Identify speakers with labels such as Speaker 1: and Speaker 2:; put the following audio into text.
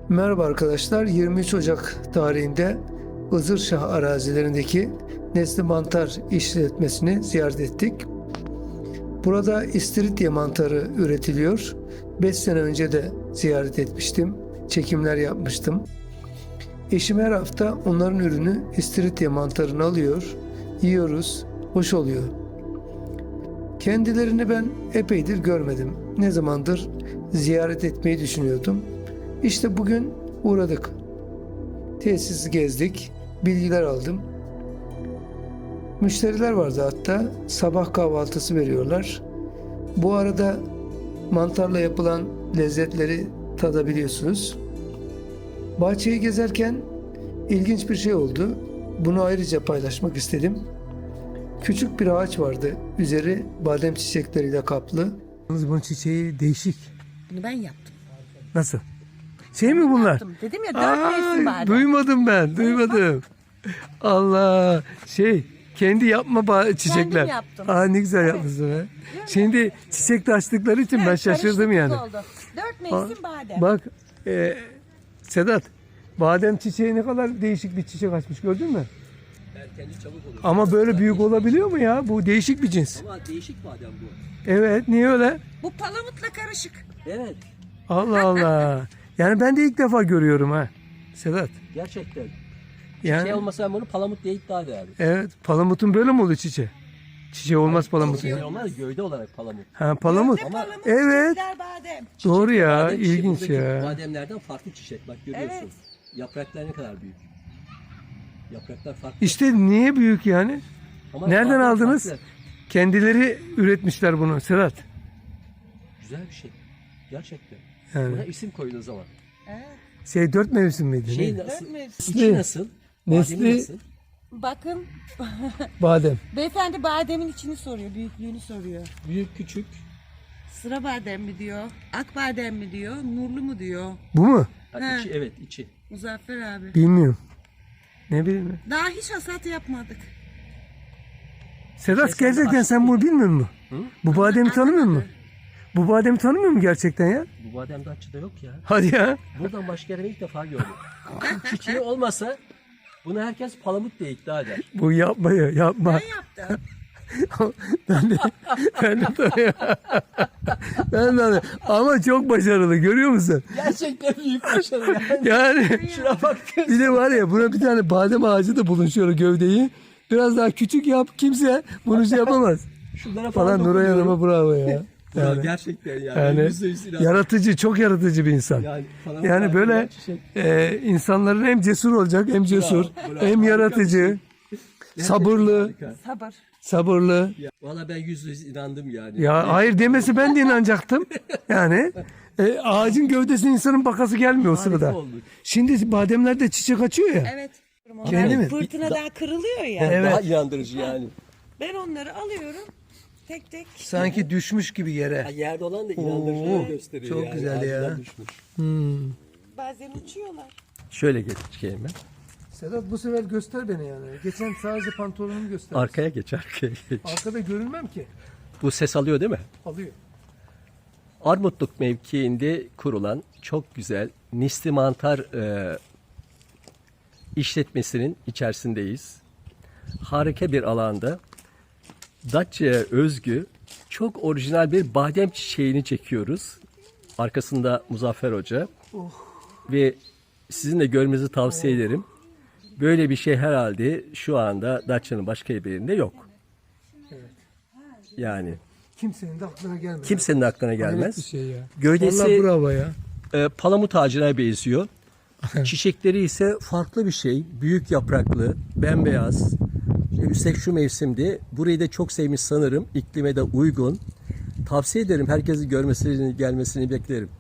Speaker 1: Merhaba arkadaşlar, 23 Ocak tarihinde Izırşah arazilerindeki Nesli Mantar işletmesini ziyaret ettik. Burada istiridye mantarı üretiliyor. 5 sene önce de ziyaret etmiştim, çekimler yapmıştım. Eşim her hafta onların ürünü istiridye mantarını alıyor, yiyoruz, hoş oluyor. Kendilerini ben epeydir görmedim. Ne zamandır ziyaret etmeyi düşünüyordum. İşte bugün uğradık. Tesisi gezdik, bilgiler aldım. Müşteriler vardı hatta, sabah kahvaltısı veriyorlar. Bu arada mantarla yapılan lezzetleri tadabiliyorsunuz. Bahçeyi gezerken ilginç bir şey oldu. Bunu ayrıca paylaşmak istedim. Küçük bir ağaç vardı, üzeri badem çiçekleriyle kaplı. Bunun çiçeği değişik.
Speaker 2: Bunu ben yaptım.
Speaker 1: Nasıl? Şey mi bunlar?
Speaker 2: Yaptım. Dedim ya 4 mevsim badem.
Speaker 1: Duymadım ben, duymadım. Allah, kendi yapma çiçekler.
Speaker 2: Kendim yaptım.
Speaker 1: Ne güzel yapmışsın be. Şimdi çiçek de açtıkları için ben şaşırdım yani.
Speaker 2: 4 mevsim badem.
Speaker 1: Bak, Sedat, badem çiçeği ne kadar değişik bir çiçek açmış, gördün mü?
Speaker 3: Erkenci çabuk olur.
Speaker 1: Ama böyle büyük olabiliyor mu ya? Bu değişik bir cins.
Speaker 3: Ama değişik badem bu.
Speaker 1: Evet, niye öyle?
Speaker 2: Bu palamutla karışık.
Speaker 3: Evet.
Speaker 1: Allah Allah. Yani ben de ilk defa görüyorum ha. Sedat.
Speaker 3: Gerçekten.
Speaker 1: Yani,
Speaker 3: Şey olmasa ben bunu palamut diye iddia ederdim.
Speaker 1: evet, palamutun böyle mi oluyor çiçeği? Çiçeği olmaz palamutun.
Speaker 3: Şey olmaz gövde olarak palamut.
Speaker 1: Ha, palamut.
Speaker 2: Ama palamut,
Speaker 1: Evet.
Speaker 2: çiçekler badem.
Speaker 1: Doğru ya,
Speaker 3: Badem çiçeği,
Speaker 1: ilginç
Speaker 3: buradaki
Speaker 1: ya.
Speaker 3: Bademlerden farklı çiçek bak görüyorsun.
Speaker 2: Evet.
Speaker 3: Yapraklar ne kadar büyük. Yapraklar farklı.
Speaker 1: İşte niye büyük yani?
Speaker 3: Ama
Speaker 1: Nereden
Speaker 3: badem
Speaker 1: aldınız?
Speaker 3: farklı.
Speaker 1: Kendileri üretmişler bunu Sedat.
Speaker 3: Güzel bir şey. Gerçekten.
Speaker 1: Yani.
Speaker 3: Buna isim koyun o zaman.
Speaker 2: Evet.
Speaker 1: 4 mevsim miydi?
Speaker 3: Şey
Speaker 1: ne?
Speaker 3: nasıl?
Speaker 2: 4 mevsim.
Speaker 3: İçi nasıl?
Speaker 1: Nesli-
Speaker 3: Bademi nasıl?
Speaker 2: Bakın
Speaker 1: Badem.
Speaker 2: beyefendi bademin içini soruyor, büyüklüğünü soruyor.
Speaker 3: Büyük küçük.
Speaker 2: Sıra badem mi diyor, ak badem mi diyor, nurlu mu diyor.
Speaker 1: Bu mu?
Speaker 3: Ha,
Speaker 2: He.
Speaker 3: içi, evet içi.
Speaker 2: Muzaffer abi.
Speaker 1: Bilmiyorum. Ne bileyim.
Speaker 2: Daha hiç hasat yapmadık.
Speaker 1: Sedat,
Speaker 3: Sen de
Speaker 1: gerçekten sen bunu bilmiyor musun?
Speaker 3: Hı?
Speaker 1: Bu bademi tanımıyor musun? Bu bademi tanımıyor musun gerçekten ya?
Speaker 3: Bu badem Datça'da yok ya.
Speaker 1: Hadi ya.
Speaker 3: Buradan başka yere ilk defa gördüm. Çiçeği olmasa bunu herkes palamut diye iddia eder.
Speaker 1: Bu yapmayı yapma.
Speaker 2: Ben yaptım.
Speaker 1: ben de ben de ama çok başarılı, görüyor musun?
Speaker 3: Gerçekten büyük başarı yani.
Speaker 1: Yani
Speaker 3: Şuna bak.
Speaker 1: bir de var ya, buna bir tane badem ağacı da bulun, şöyle gövdeyi. Biraz daha küçük yap, kimse bunu yapamaz.
Speaker 3: Şunlara
Speaker 1: Falan Nuray
Speaker 3: dokunuyorum.
Speaker 1: Hanım'a bravo ya.
Speaker 3: Bravo,
Speaker 1: Yani,
Speaker 3: gerçekten yani.
Speaker 1: yani
Speaker 3: %100 inan.
Speaker 1: yaratıcı, çok yaratıcı bir insan.
Speaker 3: Yani, falan
Speaker 1: Yani
Speaker 3: var,
Speaker 1: böyle
Speaker 3: çiçek.
Speaker 1: insanların hem cesur olacak, hem cesur,
Speaker 3: bravo.
Speaker 1: hem
Speaker 3: Harika
Speaker 1: yaratıcı, sabırlı,
Speaker 3: Harika.
Speaker 2: Sabır.
Speaker 1: sabırlı.
Speaker 3: Ya, valla ben %100 inandım yani.
Speaker 1: Ya hayır demesi ben de inanacaktım. Yani ağacın gövdesine insanın bakası gelmiyor o
Speaker 3: Harika
Speaker 1: sırada.
Speaker 3: oldu.
Speaker 1: Şimdi bademlerde çiçek açıyor ya.
Speaker 2: Evet.
Speaker 1: Kendi mi?
Speaker 2: Fırtına daha kırılıyor ya.
Speaker 3: Yani
Speaker 1: Evet.
Speaker 3: Daha inandırıcı yani.
Speaker 2: Ben onları alıyorum. Tek tek.
Speaker 1: Sanki düşmüş gibi
Speaker 3: Ya,
Speaker 1: yere.
Speaker 3: yerde olan da
Speaker 1: Oo,
Speaker 3: inandırıcılığı gösteriyor
Speaker 1: çok
Speaker 3: yani.
Speaker 1: güzel ya.
Speaker 3: Ağacından düşmüş.
Speaker 2: Bazen uçuyorlar.
Speaker 3: Şöyle geçeyim ben.
Speaker 1: Sedat, bu sefer göster beni yani. Geçen sadece pantolonumu göster.
Speaker 3: Arkaya geç.
Speaker 1: Arkada görünmem ki.
Speaker 3: Bu ses alıyor değil mi?
Speaker 1: Alıyor.
Speaker 3: Armutluk mevkiinde kurulan çok güzel Nesli Mantar işletmesinin içerisindeyiz. Harika bir alanda Datça'ya özgü çok orijinal bir badem çiçeğini çekiyoruz. Arkasında Muzaffer Hoca. Ve sizin de görmenizi tavsiye ederim. Böyle bir şey herhalde şu anda Datça'nın başka bir yerinde yok. Yani
Speaker 1: Kimsenin de aklına gelmez.
Speaker 3: kimsenin aklına
Speaker 1: Hayret
Speaker 3: gelmez.
Speaker 1: bir şey ya.
Speaker 3: Gövdesi
Speaker 1: Vallahi bravo ya.
Speaker 3: palamut ağacına benziyor. Çiçekleri ise farklı bir şey. Büyük yapraklı, bembeyaz. Üstelik şu mevsimde. Burayı da çok sevmiş sanırım. İklime de uygun. Tavsiye ederim. Herkesin görmesini, gelmesini beklerim.